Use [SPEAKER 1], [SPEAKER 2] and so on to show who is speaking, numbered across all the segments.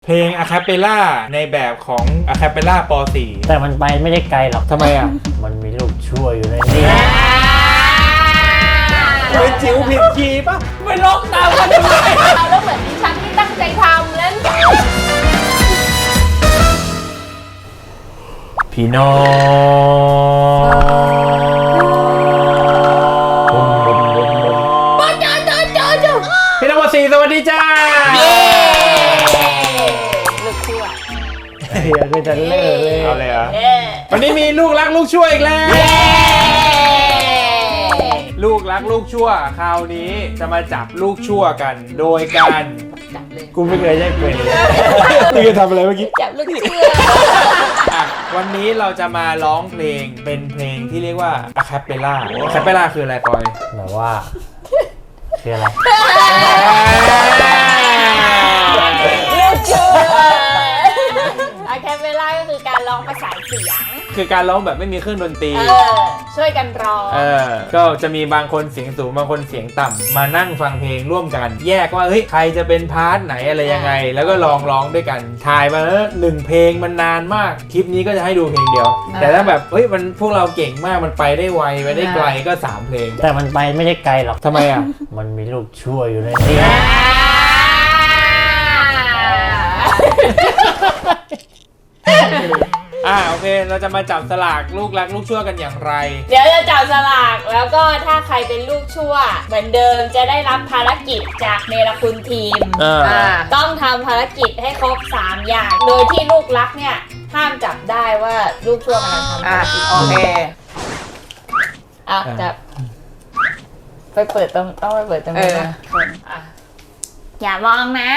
[SPEAKER 1] เพลงอะคาเปล่าในแบบของอะคาเปล่าป .4
[SPEAKER 2] แต่มันไปไม่ได้ไกลหรอก
[SPEAKER 1] ทำไมอ่ะ
[SPEAKER 2] มันมีลูกชั่วอยู่ในนี้
[SPEAKER 1] เป็นจิ๋วผิดคีย์ปะไม่ร้องตามกันทำไม
[SPEAKER 3] แล้วเหมือนดิฉันที่ตั้งใจทำแล้ว
[SPEAKER 1] พี่น้อง พี่น้องป .4 สวัสดีจ้า
[SPEAKER 3] ลูกชั่ว
[SPEAKER 2] เดี๋ยวก็จะเลิกเลย
[SPEAKER 1] เอาเลยเหรอวันนี้มีลูกรักลูกชั่วอีกแล้ว ลูกรักลูกชั่วคราวนี้จะมาจับลูกชั่วกันโดยการ
[SPEAKER 3] จับเลย
[SPEAKER 2] กูไม่เคยได้เป็นเลย
[SPEAKER 1] นี่จะทำอะไรเมื่อกี้
[SPEAKER 3] จับลูกชั่ว
[SPEAKER 1] อ่ะวันนี้เราจะมาร้องเพลงเป็นเพลงที่เรียกว่าอะคาเปล่าอะคาเปล่าคืออะไรปอย
[SPEAKER 2] แบบว่าคืออะไร
[SPEAKER 3] ลูกชั่วอะแคปเปล่าก็คือการร้องประสานเสียง
[SPEAKER 1] คือการร้องแบบไม่มีเครื่องดนตรี
[SPEAKER 3] ช่วยกันร้อง
[SPEAKER 1] ก็จะมีบางคนเสียงสูงบางคนเสียงต่ำมานั่งฟังเพลงร่วมกัน แยกว่าเฮ้ยใครจะเป็นพาร์ทไหนอะไรยังไง แล้วก็ลองร้องด้วยกันถ่ายมาแล้วหนึ่งเพลงมันนานมากคลิปนี้ก็จะให้ดูเพลงเดียว แต่ถ้าแบบเฮ้ยมันพวกเราเก่งมากมันไปได้ไวไปได้ไกลก็3เพลง
[SPEAKER 2] แต่มันไปไม่ได้ไกลหรอก
[SPEAKER 1] ทำไมอ่ะ
[SPEAKER 2] มันมีลูกชั่วอยู่ในนี้
[SPEAKER 1] โอเคเราจะมาจับสลากลูกรักลูกชั่วกันอย่างไร
[SPEAKER 3] เดี๋ยวจะจับสลากแล้วก็ถ้าใครเป็นลูกชั่ว เหมือนเดิมจะได้รับภารกิจจากเนรคุณทีม ต้องทำภารกิจให้ครบ3อย่าง โดยที่ลูกรักเนี่ยห้ามจับได้ว่าลูกชั่วกำลังทำภารกิจ
[SPEAKER 4] โอเค
[SPEAKER 3] จับไปเปิดต้องไปเปิดตรงนี้นะคนอย่ามองนะ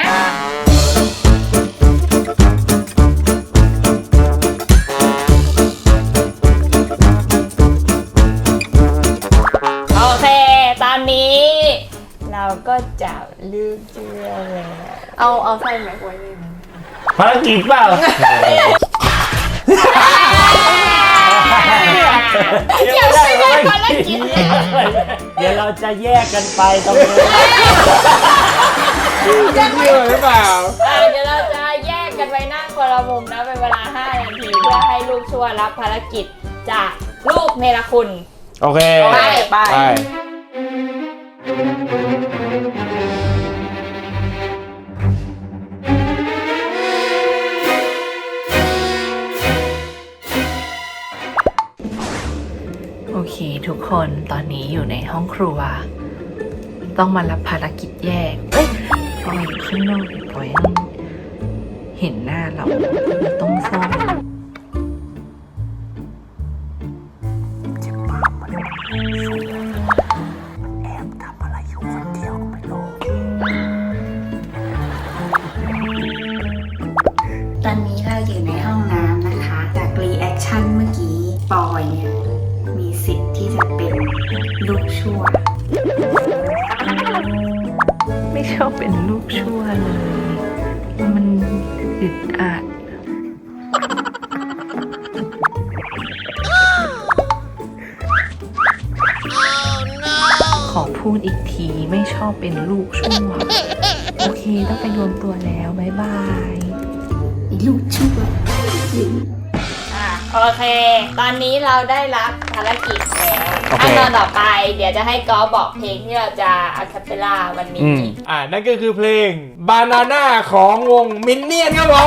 [SPEAKER 3] โอเคตอนนี้เราก็จับลูกชั่วแล้ว
[SPEAKER 4] เอาใส่แม็กไว้เลย
[SPEAKER 2] ภารกิจเปล่า
[SPEAKER 3] เดี๋ยวไม่ได้ภารกิจ
[SPEAKER 2] เดี๋ยวเราจะแยกกันไปตรงนี้
[SPEAKER 1] จะเชื่อหรือเปล่า
[SPEAKER 3] เดี๋ยวเราจะแยกกันไปนั่งคนละมุมนะเป็นเวลา5 นาทีเพื่อให้ลูกชั่วรับภารกิจจากลูกเนรคุณ
[SPEAKER 1] โอเค
[SPEAKER 4] ไป
[SPEAKER 5] โอเคทุกคนตอนนี้อยู่ในห้องครัว ต้องมารับภารกิจแยกปอยอยู่ข้างนอกปอยยังเห็นหน้าเราต้องซ่อนแอบทำอะไรอยู่คนเดียวก็ไม่รู้
[SPEAKER 6] ตอนนี้เราอยู่ในห้องน้ำนะคะ จากรีแอคชั่นเมื่อกี้ปอยเนี่ยมีสิทธิ์ที่จะเป็นลูกชั่ว
[SPEAKER 5] ไม่ชอบเป็นลูกชั่วเลย มันอึดอัดขอพูดอีกทีไม่ชอบเป็นลูกชั่ว โอเคต้องไปรวมตัวแล้วบ๊ายบาย
[SPEAKER 6] ลูกชั่ว
[SPEAKER 3] โอเค ตอนนี้เราได้รับภารกิจแล้วขั้นตอนต่อไปเดี๋ยวจะให้กอล์ฟบอกเพลงที่เราจะอะคาเปล่าวันนี้
[SPEAKER 1] นั่นก็คือเพลง Banana ของวงมินเนี่ยนครับผม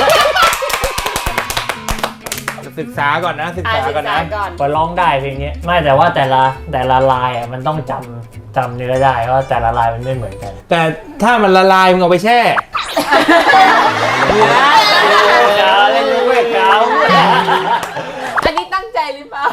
[SPEAKER 1] ศึกษาก่อนนะศึกษาก่อนนะ
[SPEAKER 2] ก็ร้องได้เพลงนี้ไม่แต่ว่าแต่ละลายอ่ะมันต้องจำเนื้อได้เพราะแต่ละลายมันไม่เหมือนกัน
[SPEAKER 1] แต่ถ้ามันละลายมึงเอาไปแช่
[SPEAKER 2] เก้าเล่นเว้ยเก้า
[SPEAKER 4] อันนี้ตั้งใจหรือเปล่า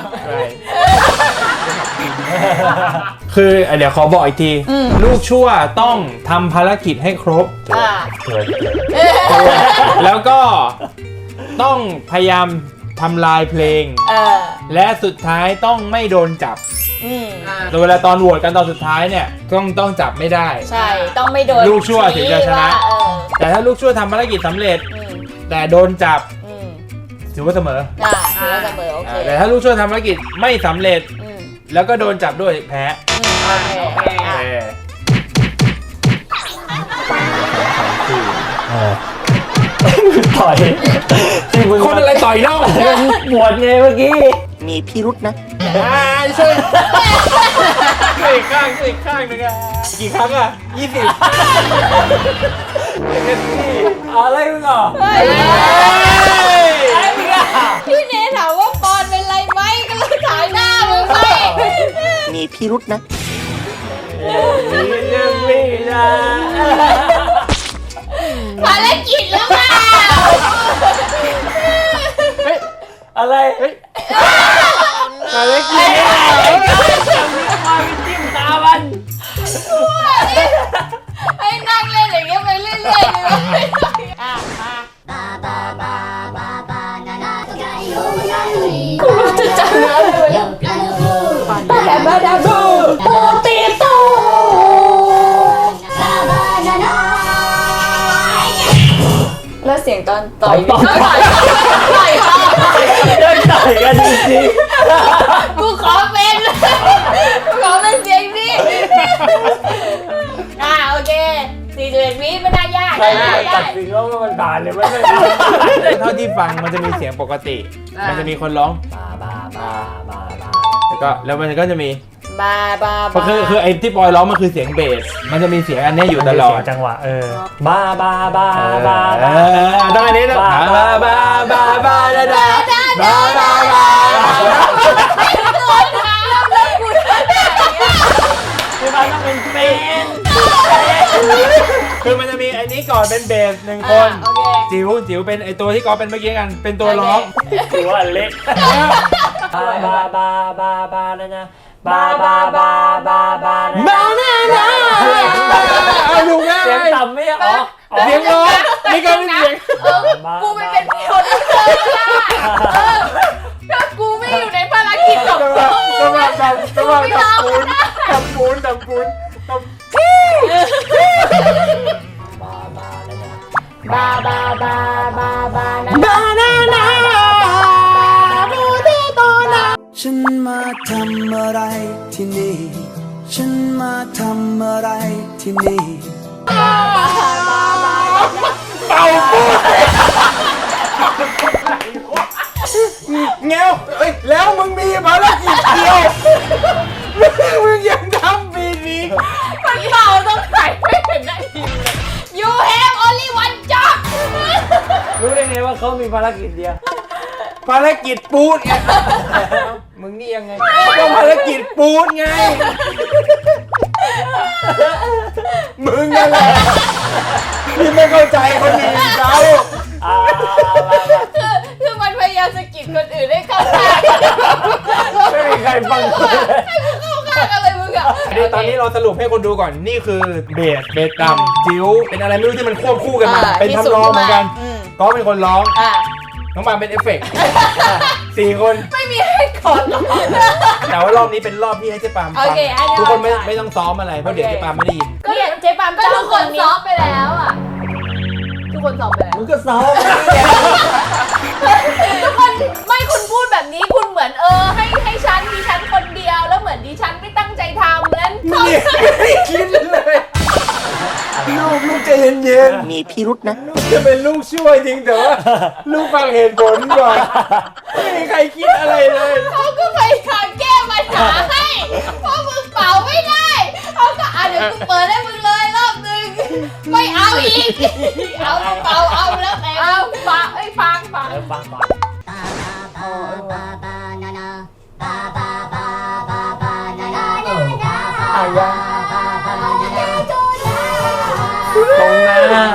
[SPEAKER 1] คือเดี๋ยวขอบอกอีกที ลูกชั่วต้องทำภารกิจให้ครบ
[SPEAKER 2] เกิด
[SPEAKER 1] แล้วก็ต้องพยายามทำลายเพลง และสุดท้ายต้องไม่โดนจับโดยเวลาตอนโหวตกันตอนสุดท้ายเนี่ยต้องจับไม่ได้
[SPEAKER 3] ใช่ต้องไม่โดน
[SPEAKER 1] ลูกชั่วถึงจะชนะ แต่ถ้าลูกชั่วทำภารกิจสำเร็จ แต่โดนจับถือว่าเสมอ
[SPEAKER 3] ถือว่าเสมอโอเค
[SPEAKER 1] แต่ถ้าลูกชั่วทำภารกิจไม่สำเร็จ แล้วก็โดนจับด้วยแพ้
[SPEAKER 3] โอเค
[SPEAKER 2] เต่อยที่มึง
[SPEAKER 1] คนอะไรต่อยเล่า
[SPEAKER 2] ปวดไงเมื่อกี้
[SPEAKER 7] มีพิรุษนะ
[SPEAKER 1] ช่วยอีกข้างอีกข้างนึงอ่ะกี่ครั้งอ่ะ20เป็นที่
[SPEAKER 2] อะไรมึงอ่ะ
[SPEAKER 3] พี่เนถามว่าปอนเป็นไรไหมก็เลยถ่ายหน้ามึงไป
[SPEAKER 7] มีพิรุษนะ
[SPEAKER 2] ไม่ได้
[SPEAKER 3] ภารกิจแล้วอ่ะ
[SPEAKER 2] อะไร
[SPEAKER 1] อะไรกิน
[SPEAKER 2] มาไปจิ้มตามัน
[SPEAKER 3] ให้นั่งเล่นอย่างเงี้ยไปเรื่อยๆเลยอ่ะมากูรู้จะจำเนื้อเลยบาดาบูโปเตโต้แล้วเสียงตอนต่อยต่อย
[SPEAKER 2] เดินต่อยกันจริง
[SPEAKER 3] กูขอเป็นเสียงนี้โอเค41 วิไม่น่ายาก
[SPEAKER 2] ๆใครตัดสินว่ามันผ่านหรือไม่ผ่าน
[SPEAKER 1] เท่าที่ฟังมันจะมีเสียงปกติ มันจะมีคนร้อง
[SPEAKER 2] บา
[SPEAKER 1] แล้วมันก็จะมี
[SPEAKER 3] บา
[SPEAKER 1] คือไอ้ที่ปอยร้องมันคือเสียงเบส มันจะมีเสียงอันนี้อยู่ตลอด
[SPEAKER 2] จังหวะบา
[SPEAKER 1] ต้องอันนี้นะบาดาดาบา
[SPEAKER 2] คือมันต้องเป็นเป็น
[SPEAKER 1] คือมันจะมีอันนี้ก่อนเป็นเบสหนึ่งคน
[SPEAKER 3] โอเค
[SPEAKER 1] จิ๋วเป็นไอตัวที่กอเป็นเมื่อกี้กัน เป็นตัวร้อง
[SPEAKER 2] ถือว่าเล็กบานะนะบา
[SPEAKER 1] เอาอยู่ไง
[SPEAKER 2] เสียงต่ำไม่อ๋อ
[SPEAKER 1] เสียงร้องนี่ก็เป็นเสียง
[SPEAKER 3] กูไม่เป็นคนถ้ากูไม่อยู่ในภารกิจของกู
[SPEAKER 1] จังหวะดับปูน
[SPEAKER 3] บานานาบูเตโตนา
[SPEAKER 8] ฉันมาทำอะไรที่นี่ ฉันมาทำอะไรที่นี่
[SPEAKER 1] เป่าปูนเงี้ยวแล้วมึงมีภารกิจเดียวมึงยังทำปีนี้
[SPEAKER 3] คนเป่าต้องใส่ไม่เห็นได้ทีเลย You have only one job
[SPEAKER 2] รู้ได้ไงว่าเขามีภารกิจเดียว
[SPEAKER 1] ภารกิจปูนไงมึงนี่ยังไงก็ภารกิจปูนไงมึงนั่นแหละที่ไม่เข้าใจคนอื่นเขา
[SPEAKER 3] คือมันพยายามสะกิดคนอื่นให้เข้าข้าง
[SPEAKER 2] ไม่มีใครฟังกูเลย
[SPEAKER 3] เข้าข้างกันเลยมึงอะ
[SPEAKER 1] ตอนนี้เราสรุปให้คนดูก่อนนี่คือเบสต่ำจิ๋วเป็นอะไรไม่รู้ที่มันควบคู่กันมาเป็นทำนองเหมือนกันก็เป็นคนร้องน้องบางเป็นเอฟเฟกต์4 คน
[SPEAKER 3] ไม่มีให้กดหรอก
[SPEAKER 1] แต่ว่ารอบนี้เป็นรอบที่ให้เจ๊ปามฟังทุกคนไม่ต้องซ้อมอะไรเพราะเดี๋ยวเจ๊ปามไม่ได้ยิน
[SPEAKER 3] ก็เนี่ยเจ๊ปามก็ทุกคนซ้อมไปแล้วอ่ะทุกคนซ้อมไปแล้ว
[SPEAKER 2] มึงก็ซ้อม
[SPEAKER 3] ทุกคนไม่คุณพูดแบบนี้คุณเหมือนให้ฉันดิฉันคนเดียวแล้วเหมือนดิฉันไม่ตั้งใจทำแล้ว
[SPEAKER 1] ไม่ได้คิดเลยลูกใจเย็น
[SPEAKER 7] มีพิรุษนะ
[SPEAKER 1] ๆลูกจะเป็นลูกช่วยจริงแต่ว่าลูกฟังเหตุผลก่อนไม่มีใครคิดอะไรเลย
[SPEAKER 3] เขาก็พยายามแก้ปัญหาให้เพราะมึงเป่าไม่ได้เขาก็เดี๋ยวกูเปิดให้มึงเลยรอบนึงไม่เอาอีกเอาเป่าเอาแล้วแต่เอาฟังฟัง
[SPEAKER 2] ฟังก่อน ตรงหน้า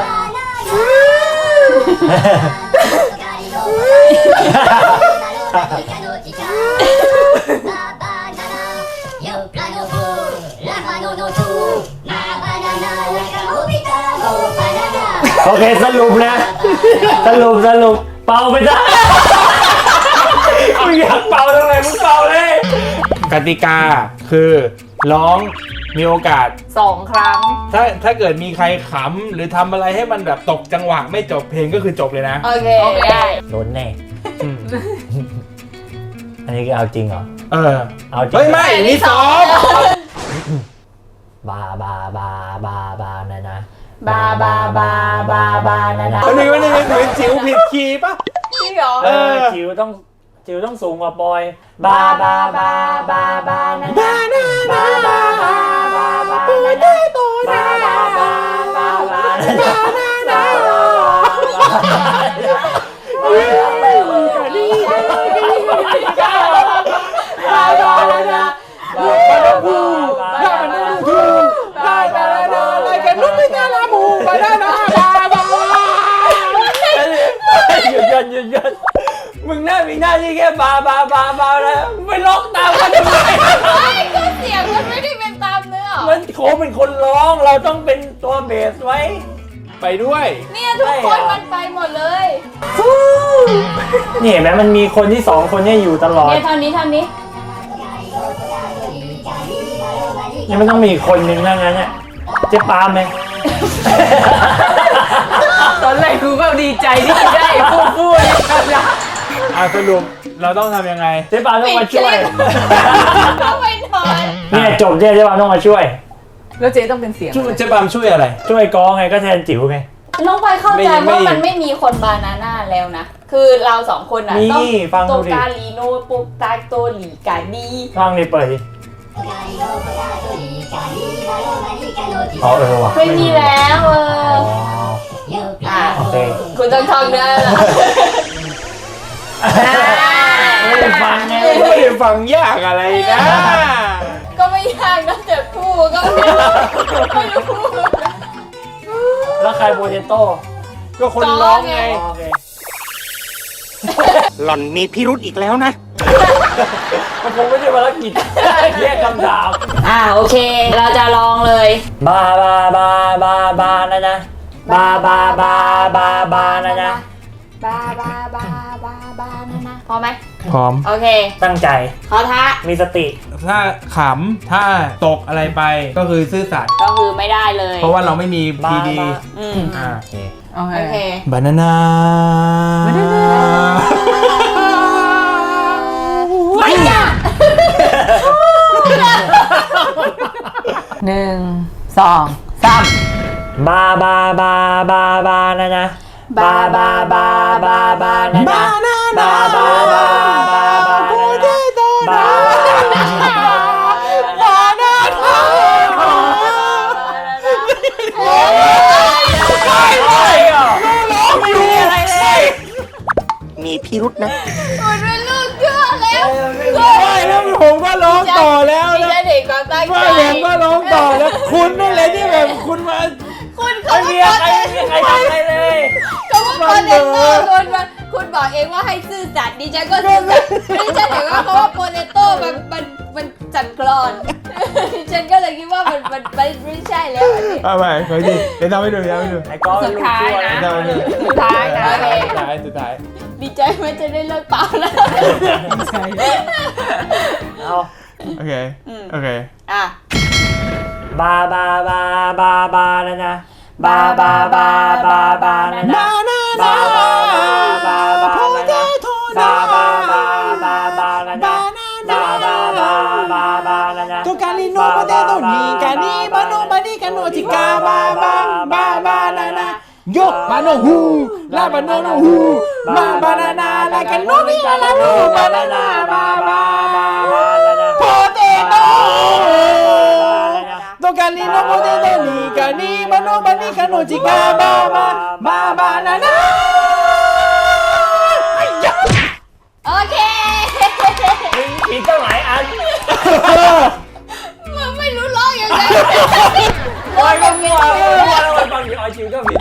[SPEAKER 2] โอเคสรุปนะสรุปเป่าไปจ้ะมึงอยากเป่าตรงไหนมึงเป่าเลย
[SPEAKER 1] กติกาคือร้องมีโอกาส
[SPEAKER 4] 2 ครั้ง
[SPEAKER 1] ถ้าเกิดมีใครขำหรือทำอะไรให้มันแบบตกจังหวะไม่จบเพลงก็คือจบเลยนะ
[SPEAKER 3] โอเคได้
[SPEAKER 2] โดนแน่
[SPEAKER 1] อืม
[SPEAKER 2] อันนี้คือเอาจริงเหรอ เอาจริง
[SPEAKER 1] เฮ้ยไม่นี่ซ้อม
[SPEAKER 2] บานะนะ
[SPEAKER 3] บาบาบาบาบานะนะ
[SPEAKER 1] วันนี้เหมือนจิ๋วผิดคีย์ปะ
[SPEAKER 4] จริงเหรอ
[SPEAKER 2] จิ๋วต้องสูงกว่าปอยบาบาบาบาบานะนะ
[SPEAKER 1] บาบาบาบาบาปูเตโตนะ
[SPEAKER 2] บาบาบาบานะนะบาหยุดมึงมีหน้าที่แค่บาแล้วไปร้องตามกันทำไม
[SPEAKER 3] ก็เสียงมันไม่ได้เป็นตามเนื้อ
[SPEAKER 2] มันโคเป็นคนร้องเราต้องเป็นตัวเบสไว้
[SPEAKER 1] ไปด้วย
[SPEAKER 3] เนี่ยทุกคนมันไปหมดเลย
[SPEAKER 2] นี่เห็นไหมมันมีคนที่2คนเนี่ยอยู่ตลอด
[SPEAKER 3] เนี่ยเท่านี้
[SPEAKER 2] ยังไม่ต้องมีอีกคนนึงนั่งนั้นเนี่ยเจ๊ปาล์มไหม
[SPEAKER 4] ตอนแรกกูก็ดีใจที่จะได้ฟู่ๆนี่นะ
[SPEAKER 1] สรุปเราต้องทำยังไง
[SPEAKER 2] เจ๊ปาล์มต้องมาช่วย
[SPEAKER 3] ต้องไปนอน
[SPEAKER 2] เนี่ยจบเจ๊ปาล์มต้องมาช่วย
[SPEAKER 4] แล้วเจ๊ต้องเป็นเสียง
[SPEAKER 1] เจ๊ปามช่วยอะไร
[SPEAKER 2] ช่วยกองไงก็แทนจิ๋วไง
[SPEAKER 3] น้องไปเข้าใจ
[SPEAKER 1] ไม่
[SPEAKER 3] ว่ามันไม่มีคนบานาน่าแล้วนะ คือเรา2คนอ่ะ
[SPEAKER 2] นี่
[SPEAKER 3] ต้อง
[SPEAKER 2] ฟัง
[SPEAKER 3] โต
[SPEAKER 2] ดูดิ
[SPEAKER 3] กาลีโนโปกตาโตหลีกาดี
[SPEAKER 2] ฟังนี่เปิดดิอ๋อว่ะ
[SPEAKER 3] ไม่มีแล้ว
[SPEAKER 2] โอเค
[SPEAKER 3] คุณต้องท่องเนื้อแล้ว
[SPEAKER 2] ไม่ได้ฟังไง
[SPEAKER 1] ไม่ได้ฟังยากอะไรนะ
[SPEAKER 3] ก็ไม่ยากนะแต่พูดก็ไม่รู้
[SPEAKER 2] แล้วใครโปเตโต้
[SPEAKER 1] ก็คนร้องไง
[SPEAKER 2] โอเค
[SPEAKER 7] หล่อนมีพิรุธอีกแล้วนะ
[SPEAKER 2] มันคงไม่ใช่ภารกิจแยกคำถาม
[SPEAKER 3] โอเค เราจะลองเลย
[SPEAKER 2] บานะนะบานะนะ
[SPEAKER 3] บานะนะพอไหม
[SPEAKER 1] พร้อม
[SPEAKER 3] โอเค
[SPEAKER 2] ตั้งใจ
[SPEAKER 3] ขอท้า
[SPEAKER 2] มีสติ
[SPEAKER 1] ถ้าขำถ้าตกอะไรไปก็คือซื่อสัตย์
[SPEAKER 3] ก็คือไม่ได้เลย
[SPEAKER 1] เพราะว่าเราไม่มีพีดี
[SPEAKER 3] อืม
[SPEAKER 1] โอเค
[SPEAKER 4] โอ
[SPEAKER 3] โอ
[SPEAKER 4] เค
[SPEAKER 3] เค
[SPEAKER 1] บานาน่า
[SPEAKER 3] ไม่ยาก
[SPEAKER 4] 1 2 3
[SPEAKER 2] บานะนะบานะนะบานะนะ
[SPEAKER 7] มีพิรุธนะ
[SPEAKER 3] มันเป็นลูกเชื่อแล้ว
[SPEAKER 1] ไม่แล้วผมก็ร้องต่อแล้ว
[SPEAKER 3] ดิ
[SPEAKER 1] นะ
[SPEAKER 3] ฉันเห็นความตั้งใจ
[SPEAKER 1] ไม่ผมก็ร้องต่อแล้ว คุณนั่นแหละที่แบบคุณมา
[SPEAKER 3] คุณเขา
[SPEAKER 2] ไม่มีใครทำอะไรเลย
[SPEAKER 3] เขาว่าโปเตโต้คุณบอกเองว่าให้ซื่อสัตย์ดิฉันก็ซื่อสัตย์ดิฉันเห็นว่าเขาว่าโปเตโต้มันจัดกรอน ดิฉันก็เลยคิดว่ามันไม่ใช่แล้วอันนี้
[SPEAKER 1] เอาไปขออีกทีเดี๋ยวทำให้ดูเดี๋ยวทำให้ดู
[SPEAKER 2] ไอ้ก้อน
[SPEAKER 4] สุดท้ายนะ
[SPEAKER 1] เดี๋ยวทำให้ดู
[SPEAKER 4] สุดท้ายนะ
[SPEAKER 3] โอเค
[SPEAKER 1] สุดท้าย
[SPEAKER 3] ดีใจไหมจะได้เลิกเป่าแล้ว
[SPEAKER 2] เอา
[SPEAKER 1] โอเคโอเค
[SPEAKER 3] อ่ะ
[SPEAKER 2] บานะนะบานะนะบานะนะ
[SPEAKER 1] โตกาลิโนโปเตโตนีกานีบาโนบานีกาโนจิกาบานานาโยบาโนฮูลาบาโนโนฮูบานานาลากาโนมิลาโนบานานาบาโปเตโตโตกาลิโนโปเตโตนีกานีบาโนบานีกาโนจิกาบานานา
[SPEAKER 3] โอเค
[SPEAKER 2] ผิดตั้งหลายอัน
[SPEAKER 3] มึงไม่รู้ร้องยังไง
[SPEAKER 2] โอ้ยก็มั่วแล้วบางทีออยชิวก็ผิด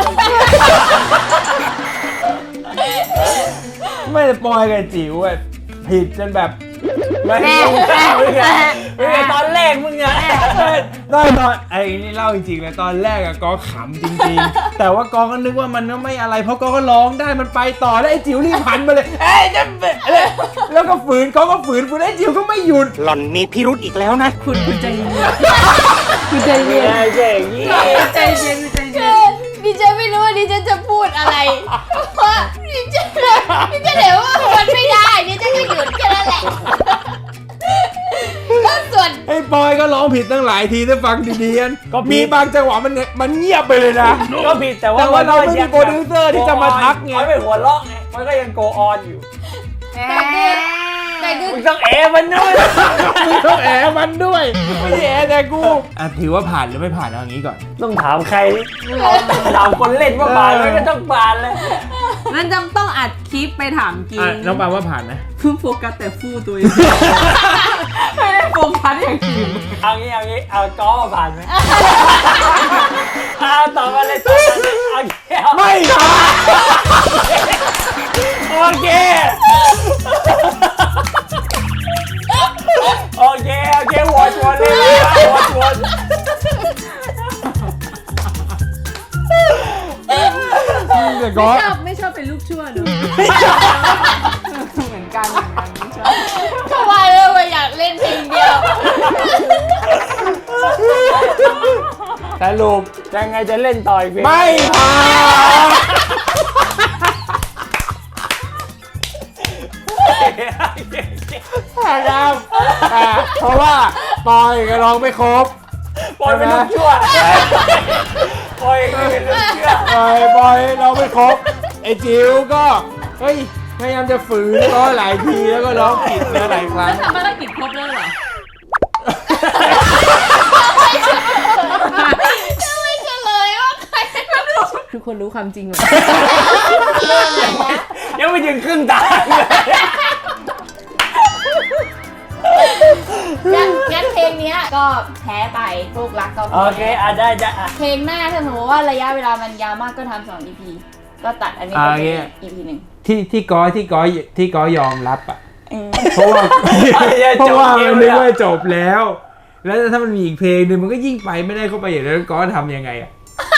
[SPEAKER 1] ไม่ได้ปอยกับจิ๋วอ่ะผิดจนแบบ
[SPEAKER 2] ไม่ไงตอนแรกมึงอะ
[SPEAKER 1] ตอนไอ้นี่เล่าจริงๆเลยตอนแรกอะกอขำจริงๆ แต่ว่ากอก็นึกว่ามันไม่อะไรเพราะกอก็ร้องได้มันไปต่อแล้วไอ้จิ๋วรีบหันมาเลยเอ้ยจะแล้วก็ฝืนกอก็ฝืนไอ้จิ๋วก็ไม่หยุด
[SPEAKER 7] หล่อนมีพิรุธอีกแล้วนะ
[SPEAKER 4] คุณใจเย็นคุณใจเย็น
[SPEAKER 2] เจ๋งยี่
[SPEAKER 4] ใจเย็นใจเย็น
[SPEAKER 3] คือดิฉันไม่รู้ว่าดิฉันจะพูดอะไรเพราะดิฉันเห็นว่ามันไม่ได้ดิฉันก็หยุดแค่นั้นแหละแล้วส่วน
[SPEAKER 1] ไอ้ปอยก็ร้องผิดตั้งหลายทีถ้าฟังดีๆกัน
[SPEAKER 2] ก็ผิด
[SPEAKER 1] มีบางจังหวะมันเงียบไปเลยนะ
[SPEAKER 2] ก็ผิดแต่ว่า
[SPEAKER 1] แต่ว่าเราไม่มีโปรดิวเซอร์ที่จะมาทักไง
[SPEAKER 2] มันไม่หัวเราะไงมันก็ยังโกออนอยู่
[SPEAKER 3] แต่คือ
[SPEAKER 2] มึงต้องมันด้วย
[SPEAKER 1] มึงต้องแอบมันด้วยไม่ใช่แอบแต่กูถือว่าผ่านหรือไม่ผ่านเอาอย่างนี้ก่อน
[SPEAKER 2] ต้องถามใครถามคนเล่นว่าผ่านไหมก็ต้องผ่านเลย
[SPEAKER 4] นั่นจำต้องอัดคลิปไปถามกิน
[SPEAKER 1] น้องปาว่าผ่านไหม
[SPEAKER 4] เพิ่งโฟกัสแต่ฟู่ตัวเอง ไม่ได้โฟกัสอย่างอื่น
[SPEAKER 2] เอางี้เอาก้อผ่านไหมเอาต่อมาเลยต่อมาเลยเอาแก้ว
[SPEAKER 1] ไม่ผ่านโอเค
[SPEAKER 2] โอเคโหวตเลยโหวต
[SPEAKER 1] แต่ก็
[SPEAKER 4] ไม่ชอบเป็นลูกชั่วเนอะเหมือนกันไม่ชอบ
[SPEAKER 3] ทำไมเลยอยากเล่นเพลงเดียว
[SPEAKER 1] สรุป
[SPEAKER 2] ยังไงจะเล่นต่ออีกเพลง
[SPEAKER 1] ไม่ผ่านครับเพราะว่าปอยก็ร้องไม่ครบ
[SPEAKER 2] ปล่อยเป็นลูกชั่วปล่อยเป็นลูกชั่ว
[SPEAKER 1] ปอยร้องไม่ครบไอ้จิ๋วก็เฮ้ยพยายามจะฝืนร้องหลายทีแล้วก็ร้องผิดหลายครั้ง
[SPEAKER 4] ทำภารกิจครบแล้วเหรอ
[SPEAKER 3] ไม่เฉลยว่าใคร
[SPEAKER 4] ทุกคนรู้ความจริงหมด
[SPEAKER 2] ยังไม่ถึงครึ่งทางเลย
[SPEAKER 3] งั้นเพลงเนี้ยก็แพ้ไปลูกรักก็
[SPEAKER 2] โอเคได้
[SPEAKER 3] เพลงหน้าถ้าสมมติว่าระยะเวลามันยาวมากก็ทำ2 EP ก็ตัดอันนี้เป็น EP 1
[SPEAKER 1] ที่ก้อยยอมรับอ่ะเพราะว่ามันนึกว่าจบแล้ว แล้วถ้ามันมีอีกเพลงหนึ่งมันก็ยิ่งไปไม่ได้เข้าไปอย่างนั้นก้อยทำยังไงอ่ะ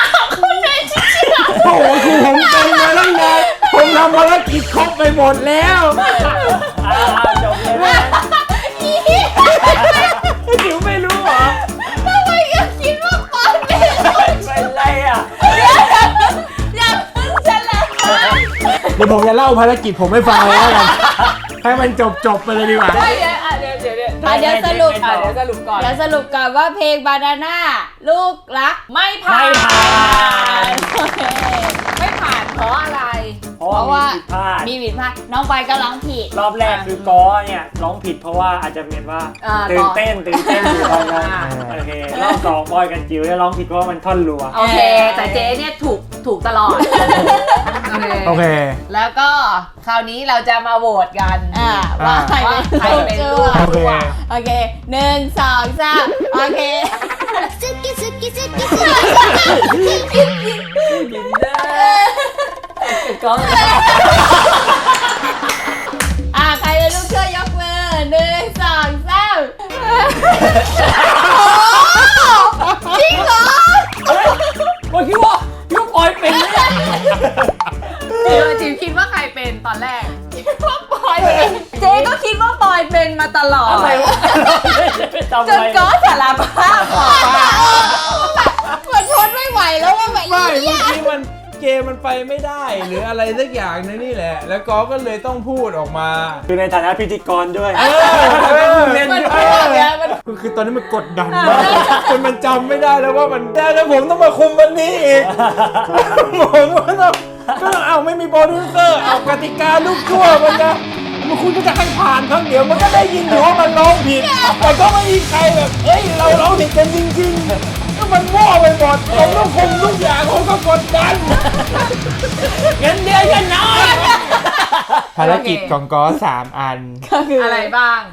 [SPEAKER 1] โอ้โหคือผมเป็นมาตั้งนานผมทำภารกิจครบไปหมดแล้ว
[SPEAKER 2] จบเลย
[SPEAKER 1] จิ๋วไม่รู้เหรอ
[SPEAKER 3] ทำไมก็คิดว่าปอนเป็น
[SPEAKER 2] เป็นไรอ่ะ
[SPEAKER 3] อย่าเพิ่งเฉลย
[SPEAKER 1] เดี๋ยวผมจะเล่าภารกิจผมให้ฟังเลยแล้วกันให้มันจบไปเลยดีกว่า
[SPEAKER 4] เดี๋ยวสรุปก่อน
[SPEAKER 3] เดี๋ยวสรุปก่อนว่าเพลงบานาน่าลูกรักไม่ผ่าน ไม่ผ่านเพราะอะไร
[SPEAKER 2] เพราะว่า
[SPEAKER 3] มีผิดพลาดน้องไปก็ร้องผิด
[SPEAKER 2] รอบแรกคือก้อเนี่ยร้องผิดเพราะว่าอาจจะเป็นว่าตื่นเต้นอยู่ตอนนั้นโอเครอบ2บอยกันจิ๋วได้ร้องผิดเพราะว่ามันท่อนรัว
[SPEAKER 4] โอเค แต่เจ๊เนี่ยถูกตลอด
[SPEAKER 1] โอเค
[SPEAKER 4] แล้วก็คราวนี้เราจะมาโหวตกัน
[SPEAKER 3] ว่าใคร
[SPEAKER 4] ใครเป็นลูก
[SPEAKER 1] โอเค
[SPEAKER 3] โอเค1 2 3โอเค
[SPEAKER 4] ก็
[SPEAKER 3] ใครเป็นลูกเชื่อยกมือ1 2 3จริงเหรอ
[SPEAKER 2] เมื่อกี้ว่าพี่ปอยเป็นเนี่ย
[SPEAKER 4] จิ๋วคิดว่าใครเป็นตอนแรก
[SPEAKER 3] ว่าปอยเป็น
[SPEAKER 4] เจ๊ก็คิดว่าปอยเป็นมาตลอด
[SPEAKER 2] อะไรวะจำ
[SPEAKER 4] จน
[SPEAKER 2] ไว้
[SPEAKER 4] ก็สารภาพบอกว่า
[SPEAKER 3] เหมือนทนไม่ไหวแล้วว่าแบบ
[SPEAKER 1] ไม่เมื่อกี้เกมมันไปไม่ได้หรืออะไรสักอย่างนึงนี่แหละ แล้วก็เลยต้องพูดออกมา
[SPEAKER 2] คือในฐานะพิธีกรด้วย
[SPEAKER 1] เล่น
[SPEAKER 3] มัน
[SPEAKER 1] อยู่
[SPEAKER 3] พูดเนี่ยมัน
[SPEAKER 1] คือตอนนี้มันกดดันมากจนมันจำไม่ได้แล้วว่ามันได้แล้วผมต้องมาคุมวันนี้อีกผมก็ต้องเอาไม่มีโปรดิวเซอร์เอากติกาลูกชั่วมันจะคุณก็จะให้ผ่านครั้งเดียวมันก็ได้ยินอยู่ว่ามันร้องผิดแต่ก็ไม่มีใครแบบเอ้ยเราร้องผิดกันจริงๆก็มันมั่วไปหมดผมต้องคุมทุกอย่างผมก็กดดัน
[SPEAKER 2] เงินเดือนกันน้อย
[SPEAKER 1] ภารกิจของก้อ3 อัน
[SPEAKER 4] อะไรบ้าง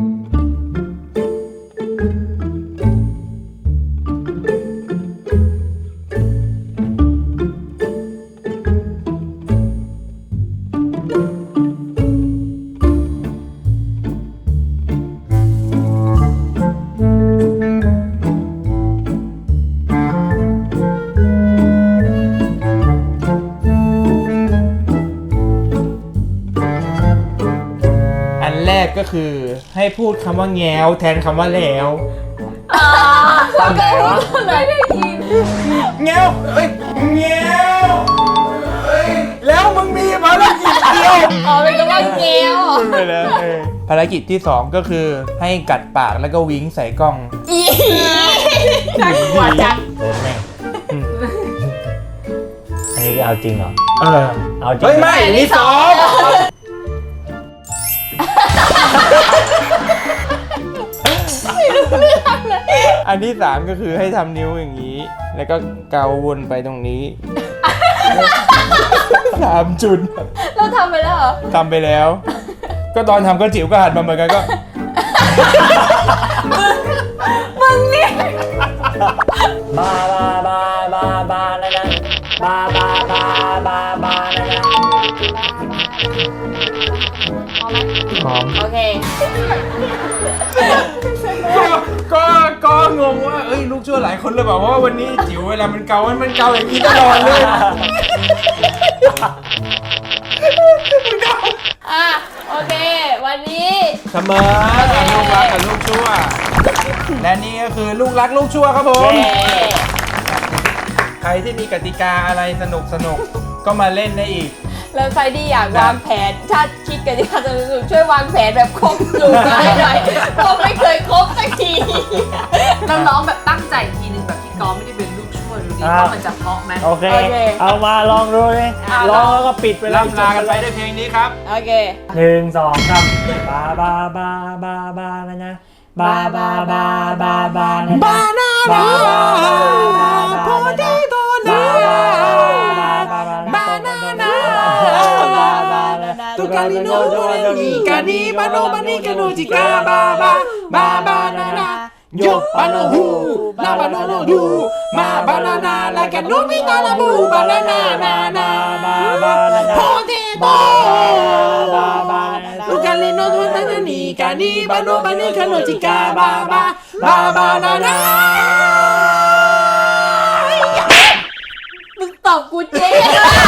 [SPEAKER 1] อันแรกก็คือให้พูดคำว่าแง้วแทนคำว่าแล้ว
[SPEAKER 2] ตอนไหนวะ
[SPEAKER 1] แง้วเอ้ยแง้วเอ้ยแล้วมึงมีภารกิจเดียว
[SPEAKER 3] อ๋อเป็นคำว่าเกล
[SPEAKER 1] ไปเลยภารกิจที่ 2 ก็คือให้กัดปากแล้วก็วิ้งใส่กล้อง
[SPEAKER 3] อีน่ากลัวจัง
[SPEAKER 2] โดนแม่งอันนี้เอาจริงเหรอ เอาจริง
[SPEAKER 1] เฮ้ย ไม่อันนี้ซ้อมอันที่ 3 ก็คือให้ทำนิ้วอย่างนี้ แล้วก็เกาวนไปตรงนี้ 3 จุด
[SPEAKER 3] เราทำไปแล้วเหรอ
[SPEAKER 1] ทำไปแล้ว ก็ตอนทำก็จิ๋วก็หันมาเหมือนกันก็
[SPEAKER 3] มึงนี่
[SPEAKER 2] บาบาบาบาบานะนะบาบาบาบาบานะนะ
[SPEAKER 1] พร้อม
[SPEAKER 3] โอเค
[SPEAKER 1] ก็งงว่าเอ้ยลูกชั่วหลายคนเลยบอกว่าวันนี้จิ๋วเวลามันเกามันเกาอย่างนี้ตลอดเลย
[SPEAKER 3] อ่ะ โอเค วันนี้
[SPEAKER 1] เสมอลูกรักกับลูกชั่ว และนี่ก็คือลูกรักลูกชั่วครับผม ใครที่มีกติกาอะไรสนุกก็มาเล่นได้อีก
[SPEAKER 3] แล้วใครที่อยากวางแผน ถ้าคิดกันที่จะช่วยวางแผนแบบครบสูตรให้หน่อยเพราะไม่เคยครบสักที
[SPEAKER 5] เราร้องแบบตั้งใจทีนึงแบบที่กอไม่ได้เป็นลูกช่วยดูดิว่ามันจะเพราะไหม
[SPEAKER 2] โอเค เอามาลองดูเลยลองแล้วก็ปิดไปเลย
[SPEAKER 1] ล่ำลากันไปด้วยเพลงนี้ครับ
[SPEAKER 3] โอเค
[SPEAKER 2] 1 2 3บาบาบาบาบานะนะบาบาบาบาบานะนะบานาบาบาบาบานะนะบานานาตุกาลิโนโดเรมีกานีบาโนบานีกาโนจิกาบาบาบาบานานาโยบาโนฮูลาบาโนโนดูมาบานานาลากาโนมินาลาบูบานานานานาบาบานานาโพเทโบบาบาตุกาลิโนโดเรมีกานีบาโนบานีกาโนจิกาบาบาบาบานานา
[SPEAKER 3] มึงตอบกูเจ๊